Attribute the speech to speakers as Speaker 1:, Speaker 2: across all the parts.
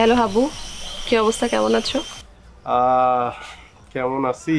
Speaker 1: Hello Habu, কি অবস্থা, কেমন আছো?
Speaker 2: আহ কেমন আছি?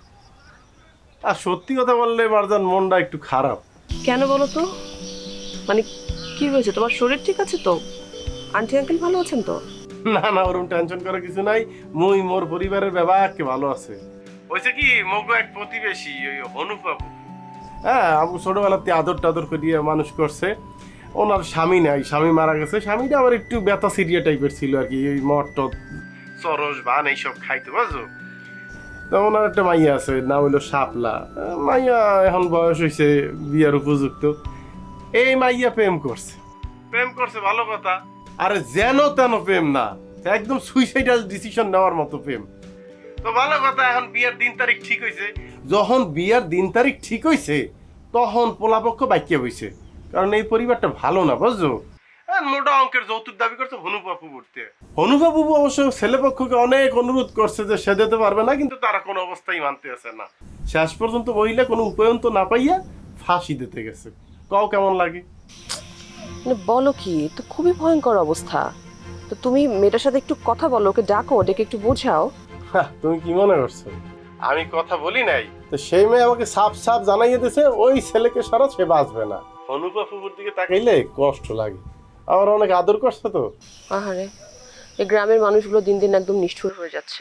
Speaker 2: আর সত্যি কথা বললে মারজান, মনটা একটু খারাপ।
Speaker 1: কেন বলো তো? মানে কি হয়েছে, তোমার শরীর ঠিক আছে তো? আন্টি আঙ্কেল ভালো আছেন তো?
Speaker 2: না না, ওরকম টেনশন করার কিছু নাই। মুই মোর পরিবারের ব্যাপারকে ভালো আছে। হয়েছে কি, মগো এক প্রতিবেশী ওই অনুপ বাবু, হ্যাঁ, আবু ছোটবেলাতে আদর টাদর করিয়ে মানুষ করছে। ওনার স্বামী নাই, স্বামী মারা গেছে। স্বামীটা আবার একটু ব্যথা সিরিয়া টাইপের ছিল আর কি, ওই মদ টদ চরস ভান এইসব খাইতে, বুঝছো? তো ওনার একটা মাইয়া আছে, নাম হইলো শাপলা। মাইয়া এখন বয়স হয়েছে, বিয়ার উপযুক্ত। এই মাইয়া প্রেম করছে, প্রেম করছে, ভালো কথা। আরে যেন তেন প্রেম না, একদম সুইসাইডাল ডিসিশন নেওয়ার মতো প্রেম। তো ভালো কথা, এখন বিয়ের দিন তারিখ ঠিক হয়েছে। যখন বিয়ের দিন তারিখ ঠিক হয়েছে, তখন পোলাপক্ষ বাক্যা হয়েছে। কারণ এই পরিবারটা ভালো না, বুঝছো? মোটা অঙ্কের যৌতুক দাবি করছে হনুবাবু করতে। হনুবাবু অবশ্য ছেলেপক্ষকে অনেক অনুরোধ করছে যে সে দিতে পারবে না, কিন্তু তারা কোনো অবস্থায় মানতে আছে না। শেষ পর্যন্ত মহিলা কোনো উপায়ন্ত না পাইয়া ফাঁসি দিতে গেছে। কও কেমন লাগে?
Speaker 1: মানে বলো কি, তো খুবই ভয়ঙ্কর অবস্থা। তো তুমি মেয়েটার সাথে একটু কথা বলো, ওকে ডাকো, ডেকে একটু বোঝাও।
Speaker 2: তুমি কি মনে করছো আমি কথা বলি নাই? তো সেই মেয়ে আমাকে সাফ সাফ জানাইয়ে দিছে ওই ছেলেকে সারা সে বাঁচবে না। হনুপা ফুপুর দিকে তাকাইলে কষ্ট লাগে। আমার অনেক আদর করছে তো।
Speaker 1: আহারে, এই গ্রামের মানুষগুলো দিন দিন একদম নিষ্ঠুর হয়ে যাচ্ছে।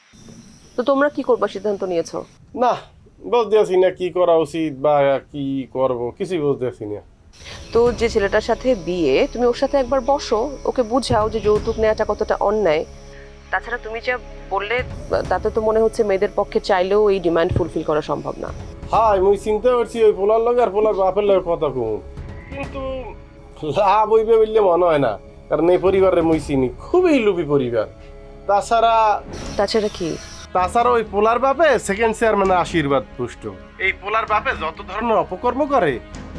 Speaker 1: তো তোমরা কি করবা সিদ্ধান্ত নিয়েছো?
Speaker 2: না, বুঝতে আছি না কি করা উচিত বা কি করব, কিছুই বুঝতে আছি না।
Speaker 1: তো যে ছেলেটার সাথে বিয়ে, তুমি ওর সাথে একবার বসো, ওকে বুঝাও যে যৌতুক নেওয়াটা কতটা অন্যায়। তাছাড়া তুমি যা বললে, তাতে তো মনে হচ্ছে মেয়েদের পক্ষে চাইলেও এই ডিমান্ড ফুলফিল করা সম্ভব না।
Speaker 2: হাই, মুই চিন্তা করছি ওই পোলার লগে আর পোলার বাপের লগে কথা কম, কিন্তু লাভ হইবে বললে মনে হয় না। কারণ এই পরিবারের মুই চিনি, খুবই লোভী পরিবার। তাছাড়া
Speaker 1: তাছাড়া কি?
Speaker 2: তাছাড়া ওই পোলার বাপে সেকেন্ড চেয়ারম্যানের আশীর্বাদ পুষ্ট। এই পোলার বাপে যত ধরনের অপকর্ম করে,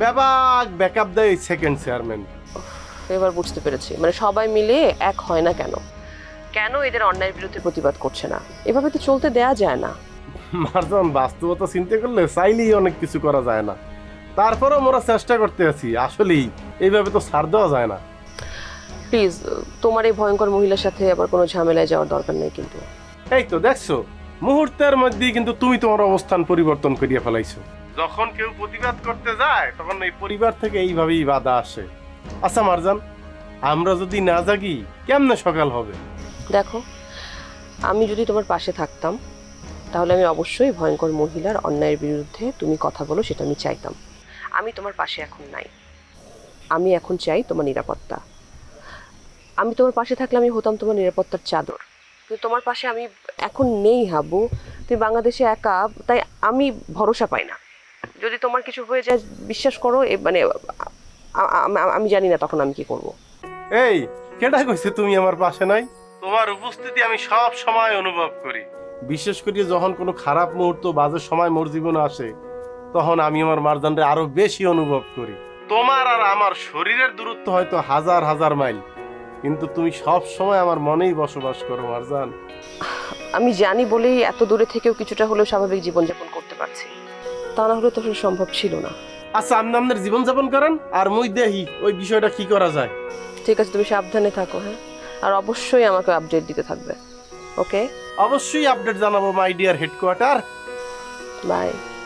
Speaker 2: ব্যাকআপ দেয় এই সেকেন্ড চেয়ারম্যান।
Speaker 1: এবার বুঝতে পেরেছি, মানে সবাই মিলে এক হয় না কেন, কেন এদের অন্যায়ের বিরুদ্ধে প্রতিবাদ করছে না। এভাবে তো চলতে দেয়া যায় না।
Speaker 2: মারজান, বাস্তবতা চিন্তা করলে চাইলেই অনেক কিছু করা যায় না। তারপরেও মোরা চেষ্টা করতে আছি। আসলেই এইভাবে তো ছাড় দেওয়া যায় না।
Speaker 1: প্লিজ, তোমার এই ভয়ঙ্কর মহিলার সাথে আবার কোনো ঝামেলায় যাওয়ার দরকার নেই কিন্তু।
Speaker 2: এই তো দেখছো, মুহূর্তের মধ্যেই কিন্তু তুমি তোমার অবস্থান পরিবর্তন করিয়া ফেলাইছো। যখন কেউ প্রতিবাদ করতে যায়, তখন এই পরিবার থেকে এইভাবেই বাধা আসে। আচ্ছা মারজান, আমরা যদি না জাগি কেমনে সকাল হবে?
Speaker 1: দেখো, আমি যদি তোমার পাশে থাকতাম, তাহলে আমি অবশ্যই ভয়ঙ্কর মহিলার অন্যায়ের বিরুদ্ধে তুমি কথা বলো, সেটা আমি চাইতাম। আমি তোমার পাশে এখন নাই। আমি এখন চাই তোমার নিরাপত্তা। আমি তোমার পাশে থাকলে আমি হতাম তোমার নিরাপত্তার চাদর। কিন্তু তোমার পাশে আমি এখন নেই হাবু। তুমি বাংলাদেশে একা, তাই আমি ভরসা পাই না। যদি তোমার কিছু হয়ে যায়, বিশ্বাস করো, মানে আমি জানি না তখন আমি কি করব।
Speaker 2: এই, কেডা কইছে তুমি আমার পাশে নাই? তোমার উপস্থিতি আমি সব সময় অনুভব করি। বিশেষ করে যখন কোনো খারাপ মুহূর্ত, বাজে সময় মোর জীবনে আসে, তখন আমি আমার মারজানরে আরো বেশি অনুভব করি। তোমার আর আমার শরীরের দূরত্ব হয়তো হাজার হাজার মাইল, কিন্তু তুমি সব সময় আমার মনেই বসবাস করো মারজান।
Speaker 1: আমি জানি বলেই এত দূরে থেকেও কিছুটা হলেও স্বাভাবিক জীবনযাপন করতে পারছি। তা না হলে তো আসলে সম্ভব ছিল না।
Speaker 2: আচ্ছা, আপনি আপনার জীবনযাপন করেন, আর মুই দেখি ওই বিষয়টা কি করা যায়।
Speaker 1: ঠিক আছে, তুমি সাবধানে থাকো, হ্যাঁ? আর অবশ্যই আমাকে আপডেট দিতে থাকবে। ওকে,
Speaker 2: অবশ্যই আপডেট জানাবো মাই ডিয়ার হেডকোয়ার্টার।
Speaker 1: বাই।